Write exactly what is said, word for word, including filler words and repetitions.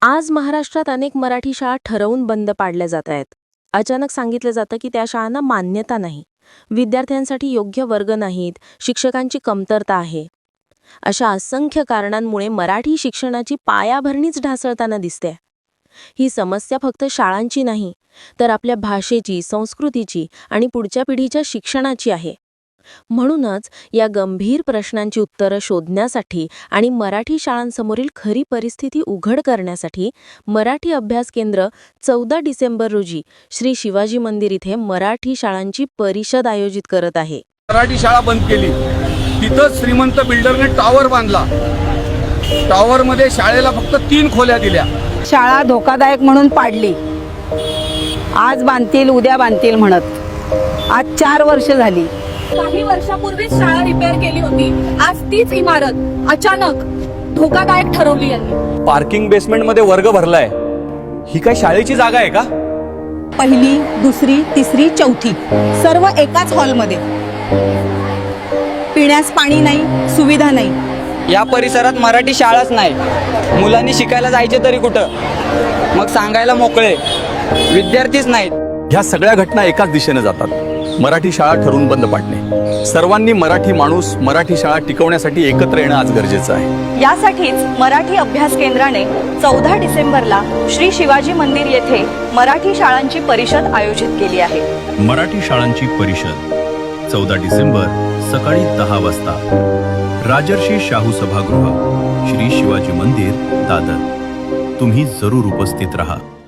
आज महाराष्ट्रात अनेक मराठी शाळा ठरवून बंद पाडल्या जात आहेत. अचानक सांगितलं जातं की त्या शाळांना मान्यता नाही, विद्यार्थ्यांसाठी योग्य वर्ग नाहीत, शिक्षकांची कमतरता आहे. अशा असंख्य कारणांमुळे मराठी शिक्षणाची पायाभरणीच ढासळताना दिसते. ही समस्या फक्त शाळांची नाही, तर आपल्या भाषेची, संस्कृतीची आणि पुढच्या पिढीच्या शिक्षणाची आहे. म्हणूनच या गंभीर प्रश्नांची उत्तरं शोधण्यासाठी आणि मराठी शाळांसमोरील खरी परिस्थिती उघड करण्यासाठी मराठी अभ्यास केंद्र चौदा डिसेंबर रोजी श्री शिवाजी मंदिर इथे मराठी शाळांची परिषद आयोजित करत आहे. मराठी शाळा बंद केली, तिथं श्रीमंत बिल्डरने टॉवर बांधला. टॉवरमध्ये शाळेला फक्त तीन खोल्या दिल्या. शाळा धोकादायक म्हणून पाडली. आज बांधतील उद्या बांधतील म्हणत आज चार वर्ष झाली. काही वर्षापूर्वीच शाळा रिपेअर केली होती. आज तीच इमारत अचानक धोकादायक ठरवली यांनी. पार्किंग बेसमेंट मध्ये वर्ग भरलाय. ही काय शाळेची जागा आहे का? पहिली, दुसरी, तिसरी, चौथी सर्व एकाच हॉलमध्ये. पिण्यास पाणी नाही, सुविधा नाही. या परिसरात मराठी शाळाच नाही. मुलांनी शिकायला जायचे तरी कुठं? मग सांगायला मोकळे विद्यार्थीच नाहीत. ह्या सगळ्या घटना एकाच दिशेने जातात. मराठी शाळा ठरवून बंद पाडणे. सर्वांनी मराठी माणूस, मराठी शाळा टिकवण्यासाठी एकत्र येणं आज गरजेचं आहे. यासाठीच मराठी अभ्यास केंद्राने चौदा डिसेंबरला श्री शिवाजी मंदिर येथे मराठी शाळांची परिषद आयोजित केली आहे. मराठी शाळांची परिषद चौदा डिसेंबर सकाळी दहा वाजता राजर्षी शाहू सभागृह, श्री शिवाजी मंदिर, दादर. तुम्ही जरूर उपस्थित रहा.